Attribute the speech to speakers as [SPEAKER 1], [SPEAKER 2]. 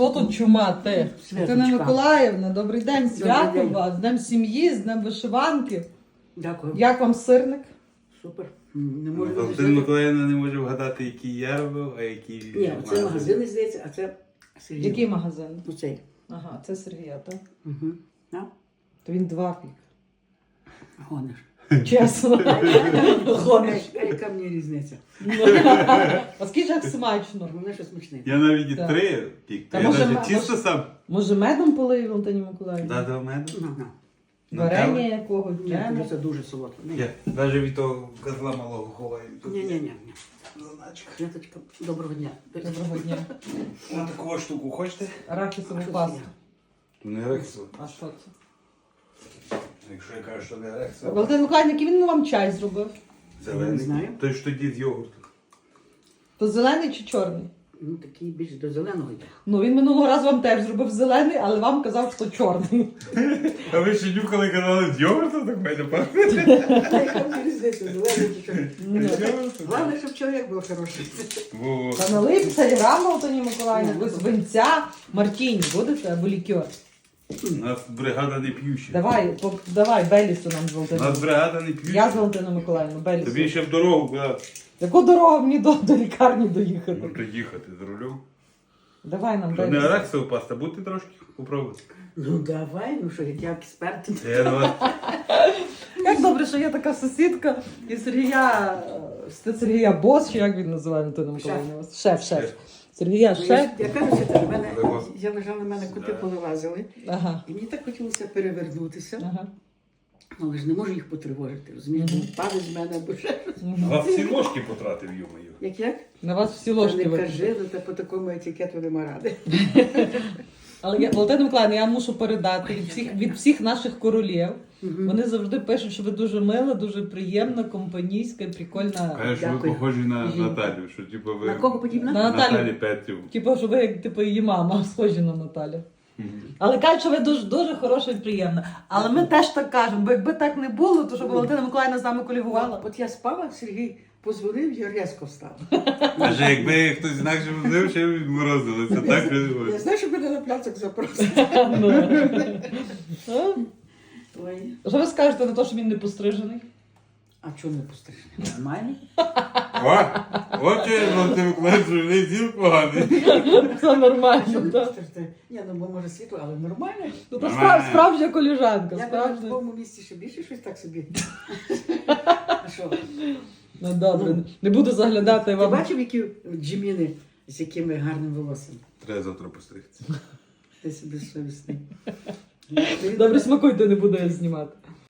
[SPEAKER 1] Що тут чума, ти?
[SPEAKER 2] Святочка.
[SPEAKER 1] Тетяна Миколаївна, добрий день, свято
[SPEAKER 2] день.
[SPEAKER 1] вас, з Днем сім'ї, з Днем вишиванки.
[SPEAKER 2] Дякую.
[SPEAKER 1] Як вам сирник?
[SPEAKER 2] Супер. Не можу
[SPEAKER 3] Валентина
[SPEAKER 2] відрізнити.
[SPEAKER 3] Миколаївна не може вгадати, який я робив, а який
[SPEAKER 2] Ні, це магазин, здається, а це Сергій.
[SPEAKER 1] Який магазин?
[SPEAKER 2] Ну, цей.
[SPEAKER 1] Ага, це Сергія, так?
[SPEAKER 2] Угу. А?
[SPEAKER 1] То він 2 пік.
[SPEAKER 2] Гониш.
[SPEAKER 1] Чесно. Гониш.
[SPEAKER 2] Яка мені різниця?
[SPEAKER 1] А скажи, як смачно.
[SPEAKER 2] Головне, що смачний.
[SPEAKER 3] Я навіть і
[SPEAKER 1] Так.
[SPEAKER 3] 3 пік.
[SPEAKER 1] Та
[SPEAKER 3] Я
[SPEAKER 1] може,
[SPEAKER 3] навіть чисто сам
[SPEAKER 1] Може медом полив Валентині Миколаївні?
[SPEAKER 3] додав меду.
[SPEAKER 2] Ага.
[SPEAKER 1] Варення якого?
[SPEAKER 2] Ні,
[SPEAKER 1] Джему?
[SPEAKER 2] це дуже солодке.
[SPEAKER 3] Я навіть від того козла малого ховаю.
[SPEAKER 2] Ні.
[SPEAKER 3] Заначка.
[SPEAKER 2] Святочка, доброго дня.
[SPEAKER 1] Доброго дня.
[SPEAKER 3] Ось таку штуку хочете?
[SPEAKER 1] Арахісову
[SPEAKER 2] А що
[SPEAKER 1] пасту.
[SPEAKER 2] це
[SPEAKER 3] То не рексу.
[SPEAKER 1] А що це?
[SPEAKER 3] Якщо я кажу, що не рексу.
[SPEAKER 1] Валентин Миколаївна, який він вам чай зробив?
[SPEAKER 3] Зелений.
[SPEAKER 2] Не знаю.
[SPEAKER 3] Той ж тоді з йогурту.
[SPEAKER 1] То зелений чи чорний?
[SPEAKER 2] Ну, такий більш до зеленого йде.
[SPEAKER 1] Ну, він минулого разу вам теж зробив зелений, але вам казав, що чорний.
[SPEAKER 3] А ви ще нюхали казали з йогурту, так мене пахне.
[SPEAKER 2] Яка мені різниця, зелений чи що? Головне, щоб чоловік був хороший.
[SPEAKER 3] Во.
[SPEAKER 1] Та налив телеграм Валентині Миколаївні, ви з винця, мартіні будете або лікер?
[SPEAKER 3] У нас бригада не п'юща.
[SPEAKER 1] Давай, Белісу нам з
[SPEAKER 3] У
[SPEAKER 1] Валентиною.
[SPEAKER 3] нас бригада не п'юща.
[SPEAKER 1] Я з Валентиною Миколаївною,
[SPEAKER 3] Тобі
[SPEAKER 1] Белісу.
[SPEAKER 3] ще в дорогу куди?
[SPEAKER 1] Яку дорогу мені до лікарні доїхати?
[SPEAKER 3] Можна їхати з рулем.
[SPEAKER 1] Давай нам
[SPEAKER 3] Що не
[SPEAKER 1] Белісу.
[SPEAKER 3] арахісова паста, будьте трошки попробувати.
[SPEAKER 2] Ну, давай, ну що, як я експерт.
[SPEAKER 3] Я до вас.
[SPEAKER 1] Як добре, що є така сусідка і Сергія Бос, чи як він називає Валентина Миколаївна? Шеф. Сергія
[SPEAKER 2] Ну,
[SPEAKER 1] шеф.
[SPEAKER 2] Я кажу, що в мене,
[SPEAKER 3] Лево.
[SPEAKER 2] я лежала, в мене коти повилазили.
[SPEAKER 1] Ага.
[SPEAKER 2] І мені так хотілося перевернутися,
[SPEAKER 1] Ага.
[SPEAKER 2] але ж не можу їх потривожити, розумієш?
[SPEAKER 1] Мгм.
[SPEAKER 2] Падать з мене або ще щось.
[SPEAKER 3] А вас всі ложки потратив, йомаю.
[SPEAKER 2] Як?
[SPEAKER 1] На вас всі
[SPEAKER 2] Та
[SPEAKER 1] ложки
[SPEAKER 2] не
[SPEAKER 1] викинули.
[SPEAKER 2] кажи, ну та по такому етикету нема ради.
[SPEAKER 1] Але Валентина Миколаївна, я мушу передати від всіх наших королів. Вони завжди пишуть, що ви дуже мила, дуже приємна, компанійська, прикольна.
[SPEAKER 3] Каже, що ви
[SPEAKER 2] Дякую.
[SPEAKER 3] похожі на
[SPEAKER 1] Жінка.
[SPEAKER 3] Наталю, що типу ви...
[SPEAKER 2] На кого подібна?
[SPEAKER 1] На
[SPEAKER 3] Наталі
[SPEAKER 1] Наталю.
[SPEAKER 3] Петрів.
[SPEAKER 1] Типу, що ви як типу її мама, схожі на Наталю. Але кажуть, що ви дуже, дуже хороша і приємна. Але ми теж так кажемо, бо якби так не було, то щоб Валентина Миколаївна з нами колігувала.
[SPEAKER 2] От я спала, Сергій позвонив, я різко встала.
[SPEAKER 3] Каже, якби хтось інакше був, ще б відморозилося. Так
[SPEAKER 2] Я знаю, що мене на пляцок запросили.
[SPEAKER 1] Ну.
[SPEAKER 2] Ой.
[SPEAKER 1] Що ви скажете на те, що він не пострижений?
[SPEAKER 2] А чому не пострижений? Нормальний?
[SPEAKER 3] От що я вам тим класу, не зіл поганий.
[SPEAKER 1] Все
[SPEAKER 2] А
[SPEAKER 1] нормально,
[SPEAKER 2] чому не
[SPEAKER 1] так?
[SPEAKER 2] пострижений? Ні, ну бо може світло, але нормально.
[SPEAKER 1] Ну, то
[SPEAKER 3] Нормально.
[SPEAKER 1] справжня коліжанка,
[SPEAKER 2] Я в
[SPEAKER 1] справжня.
[SPEAKER 2] такому місці ще більше щось так собі. А що?
[SPEAKER 1] Ну добре, не буду заглядати
[SPEAKER 2] Ти
[SPEAKER 1] вам.
[SPEAKER 2] бачив, які джиміни з якими гарним волоссям?
[SPEAKER 3] Треба завтра постригтися.
[SPEAKER 2] Ти собі совісний.
[SPEAKER 1] Добре, смакуйте, не буду я знімати.